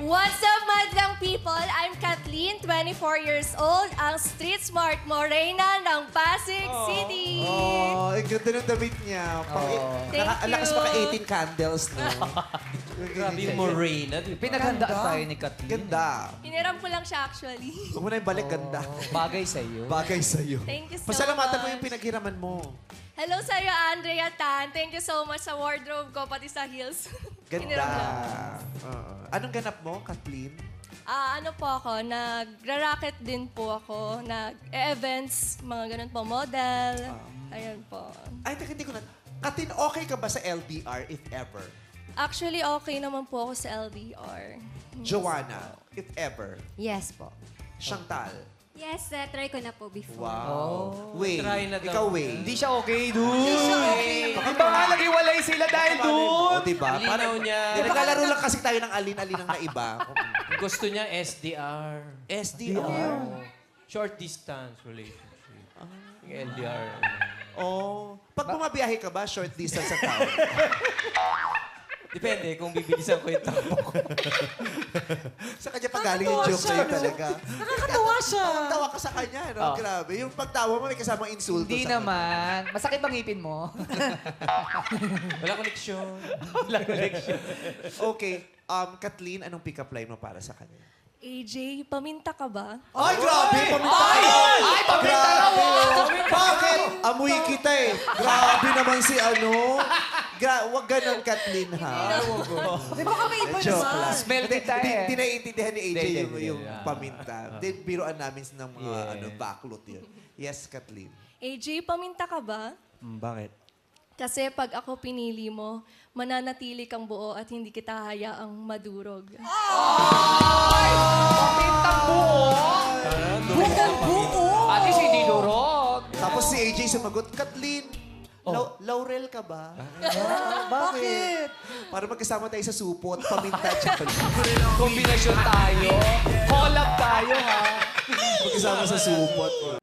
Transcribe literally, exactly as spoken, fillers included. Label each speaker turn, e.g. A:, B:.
A: What's up, madlang people? I'm Kathleen, twenty-four years old, ang street smart morena ng Pasig City.
B: Oh, ang ganda ng damit niya. Pang,
A: Thank
B: naka, ang lakas
A: you.
B: maka eighteen candles, no?
C: Grabe yung Morena, di ba?
D: Pinaghandaan tayo ni Kathleen.
B: Ganda.
A: Hiniram ko lang siya actually.
B: Huwag mo na yung balik, ganda.
D: Bagay sa'yo.
B: Bagay sa'yo.
A: Thank you so
B: Pasalamatan mo
A: much.
B: yung pinaghiraman mo.
A: Hello sa'yo, Andrea Tan. Thank you so much sa wardrobe ko, pati sa heels.
B: Ganda.
A: Hiniram lang.
B: Oo. Anong ganap mo, Kathleen?
A: Ah, ano po ako, nagra-racket din po ako, nag-events, mga ganun po, model. Ayan po.
B: Ay, teka, hindi ko na... Kathleen, okay ka ba sa L D R, if ever?
A: Actually, okay naman po ako sa L D R.
B: Joanna, if ever?
E: Yes po.
B: Chantal?
E: Yes, uh, try ko na po before.
B: Wow. Wait,
C: Try na daw.
B: ikaw, Wait.
D: Hindi siya okay, dude. Hindi
E: siya okay.
D: Di ba nga naghiwalay sila dahil
B: O,
D: doon?
B: diba?
C: Ang linaw niya.
B: Di, naglalaro lang kasi tayo ng alin-alin ng naiba.
C: Gusto niya S D R.
B: S D R?
C: Short distance relationship. Yung L D R.
B: Oh. Pag bumabiyahe ka ba, short distance sa town?
C: Depende kung bibilisan ko yung takbo ko.
B: Sa kanya pag galing yung joke sa'yo talaga.
D: Nakakatawa siya.
B: Tawa ka sa kanya, no?
D: Oh.
B: Grabe. Yung pagtawa mo, may kasamang insulto
D: Hindi
B: sa
D: naman. Masakit bang ngipin mo?
C: Wala koneksyon. Wala koneksyon.
B: Okay. Um, Kathleen, anong pick-up line mo para sa kanya?
A: A J, paminta ka ba?
B: Ay, grabe! Paminta ka!
D: Ay, paminta na mo!
B: Bakit? Amoy kita eh. Grabe naman si ano. Gra wag ganun, Kathleen, ha?
E: Di ba kamay iba
B: Joke
E: naman?
B: lang.
D: Smell
B: Hindi,
D: kita
B: hindi,
D: eh.
B: Hindi naiintindihan ni A J
C: Hindi,
B: yung,
C: hindi,
B: yung
C: hindi.
B: paminta. Hindi, biruan namin ng mga
C: Yeah.
B: ano, backlot yun. Yes, Kathleen.
A: A J, paminta ka ba?
C: Bakit?
A: Kasi pag ako pinili mo, mananatili kang buo at hindi kita hayaang madurog.
D: Pamintang buo.
E: Buong buo!
D: At least hindi durog.
B: Tapos si A J sumagot, Kathleen, Lau- Laurel ka ba? Ah, bakit? Para magkasama tayo sa supot, paminta tsaka
D: Kombinasyon tayo. Collab tayo, ha?
B: magkasama sa supot.